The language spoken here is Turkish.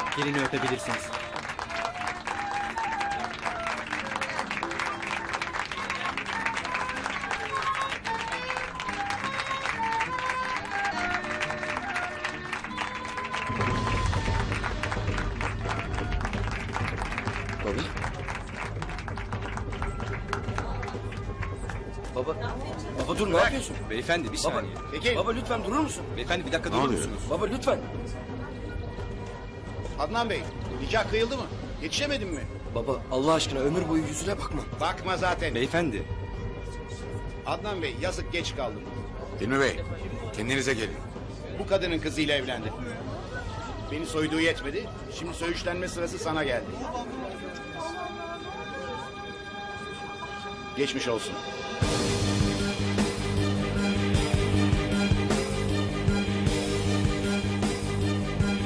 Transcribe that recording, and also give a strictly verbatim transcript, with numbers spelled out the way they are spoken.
Gelini öpebilirsiniz. Baba. Baba. Baba dur, ne yapıyorsun? Beyefendi bir Baba, saniye. peki. Baba lütfen durur musun? Beyefendi bir dakika durur oluyor? musunuz? Baba lütfen. Adnan Bey, nikah kıyıldı mı? Yetişemedin mi? Baba Allah aşkına ömür boyu yüzüne bakma. Bakma zaten. Beyefendi. Adnan Bey, yazık geç kaldım. Hilmi Bey, kendinize gelin. Bu kadının kızıyla evlendi. Beni soyduğu yetmedi, şimdi söğüşlenme sırası sana geldi. Geçmiş olsun.